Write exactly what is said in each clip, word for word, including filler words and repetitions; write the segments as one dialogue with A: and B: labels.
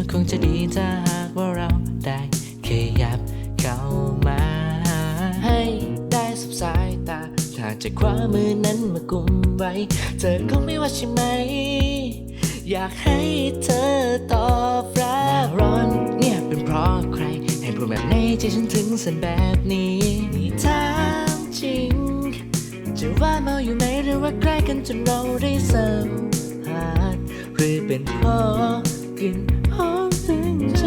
A: มันคงจะดีถ้าหากว่าเราได้ขยับเข้ามาให้ได้สบสายตาถ้าจะคว้ามือนั้นมากุมไว้เธอคงไม่ว่าใช่ไหมอยากให้เธอตอบรับร้อนเนี่ยเป็นเพราะใครให้พูดแบบในใจฉันถึงสันแบบนี้นี่ถามจริงจะว่าเมาอยู่ไหมหรือว่าใกล้กันจนเราได้สัมผัสหรือเป็นเพราะกลิ่นหอมถึงใจ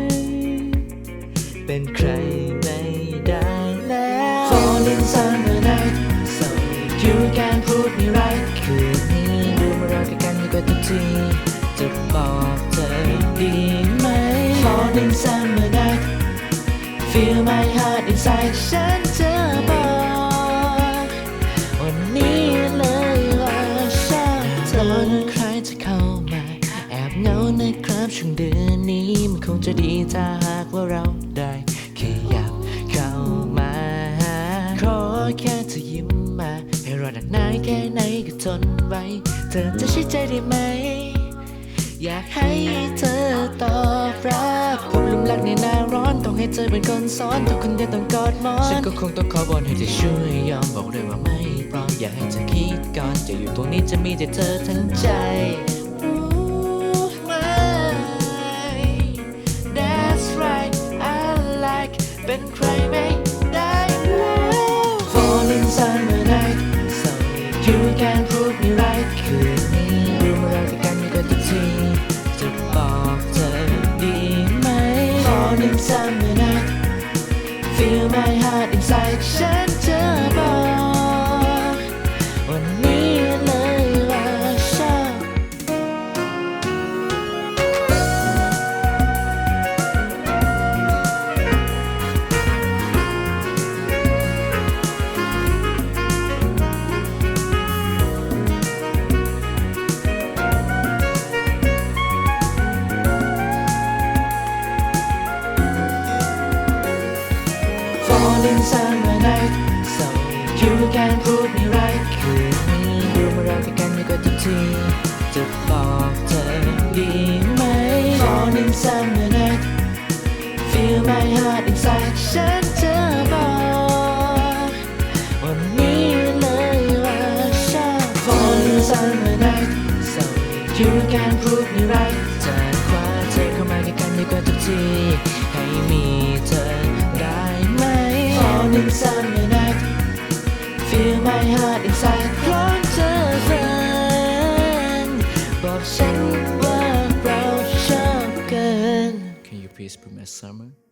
A: เป็นใครไม่ได้แล้ว Fall in summer night so you can put me right คืนนี้ดูมาเราใกล้กันอยู่กับทุกทีจะบอกเธอดีไหม Fall in summer night feel my heart inside ฉันจะบอกวันนี้เลยว่าชอบเธอใครจะเข้ามาแอบเหงานะครับช่วงเดือนนี้มันคงจะดีถ้าหากว่าเราได้ขยับเข้ามาขอแค่เธอยิ้มมาให้รอดักนานแค่ไหนก็ทนไว้เธอจะใช้ใจได้ไหมอยากให้เธอตอบรับผมลุ่มรักในหน้าร้อนต้องให้เธอเป็นคนสอนทุกคนเดียวต้องกอดหมอนฉันก็คงต้องขอวอนให้เธอช่วยยอมบอกเลยว่าไม่พร้อมอยากให้เธอคิดก่อนจะอยู่ตรงนี้จะมีแต่เธอทั้งใจรู้ไหม That's right I like เป็นใครไม่ได้แล้ว Fall in summer night so you can prove me right คืนนี้รู้มาเรากันอยู่กันทุกทีจะบอกเธอดีไหม Fall in summer night feel my heart inside ฉันจะบอกวันนี้เลยว่าชอบ Fall in summer night so you can prove me right คืนนี้ดูมาเราใกล้กันอยู่กับทุกทีจะบอกเธอดีไหม Fall in summer night feel my heart inside ฉันจะบอกวันนี้เลยว่าชอบ Fall in summer night so you can prove me right จะคว้าเธอเข้ามาใกล้กันอยู่กับทุกทีให้มีเธอได้ไหม Fall in summer night feel my heart inside พร้อมเจอแฟนบอกฉันว่าเราชอบกัน Can you please put my summer